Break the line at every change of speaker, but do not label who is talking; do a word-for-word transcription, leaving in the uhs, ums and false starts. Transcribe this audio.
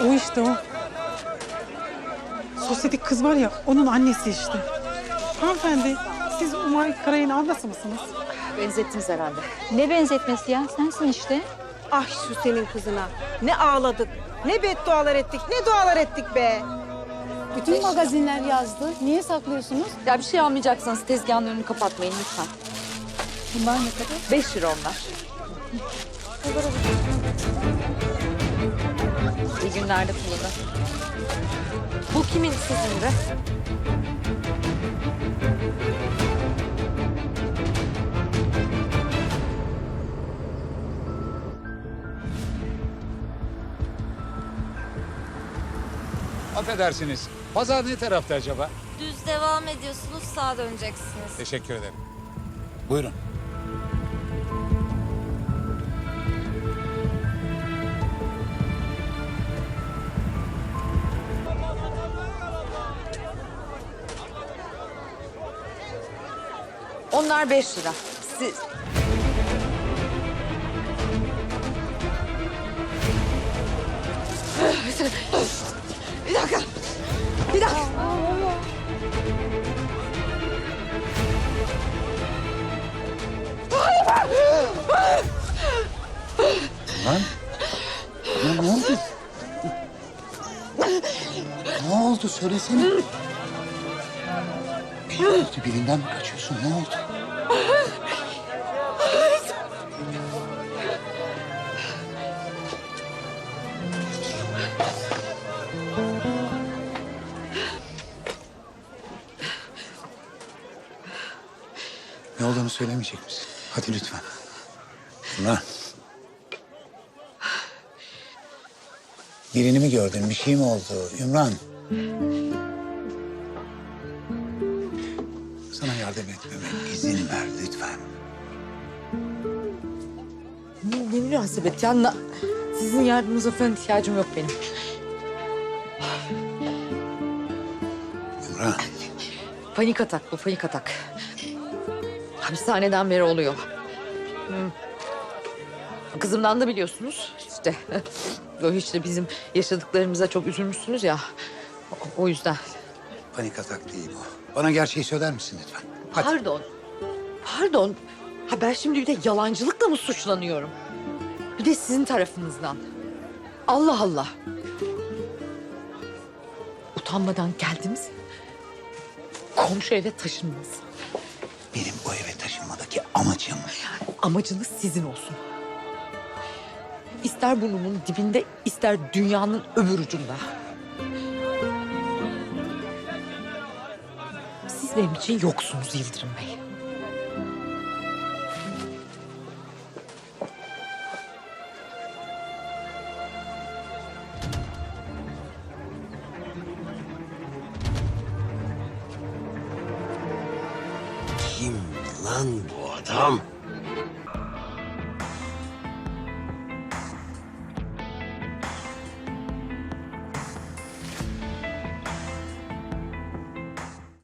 O işte o. Sosyetik kız var ya, onun annesi işte. Hanımefendi, siz Umay Karay'ın ablası mısınız?
Benzettiniz herhalde. Ne benzetmesi ya? Sensin işte.
Ah şu senin kızına. Ne ağladık, ne beddualar ettik, ne dualar ettik be.
Bütün magazinler yazdı. Niye saklıyorsunuz?
Ya bir şey almayacaksanız tezgahın önünü kapatmayın lütfen.
Bunlar ne kadar?
Beş lira onlar. İyi günlerde kullanın. Bu kimin, sizin de?
Affedersiniz. Pazar ne tarafta acaba?
Düz devam ediyorsunuz, sağa döneceksiniz.
Teşekkür ederim. Buyurun.
Onlar beş lira. Siz... Bir dakika. Bir dakika.
Lan. Lan ne oldu? Ne oldu söylesene. Birinden mi kaçıyorsun? Ne oldu? Ne olduğunu söylemeyecek misin? Hadi lütfen. Ümran. Birini mi gördün? Bir şey mi oldu? Ümran. Sana yardım etmeme izin ver lütfen.
Ne, ne münasebet ya. Na- Sizin yardımınıza falan ihtiyacım yok benim.
Ümran.
Panik atak bu, panik atak. Hapishaneden beri oluyor. Hmm. Kızımdan da biliyorsunuz işte. Böyle hiç de bizim yaşadıklarımıza çok üzülmüşsünüz ya. O, o yüzden.
Panik atak değil bu. Bana gerçeği söyler misin lütfen? Hadi.
Pardon. Pardon. Ha ben şimdi bir de yalancılıkla mı suçlanıyorum? Bir de sizin tarafınızdan. Allah Allah. Utanmadan geldiniz. Komşu eve taşındınız.
Benim o eve taşınmadaki amacım...
Amacınız sizin olsun. İster burnumun dibinde, ister dünyanın öbür ucunda. Siz benim için yoksunuz Yıldırım Bey.
Kim lan bu adam?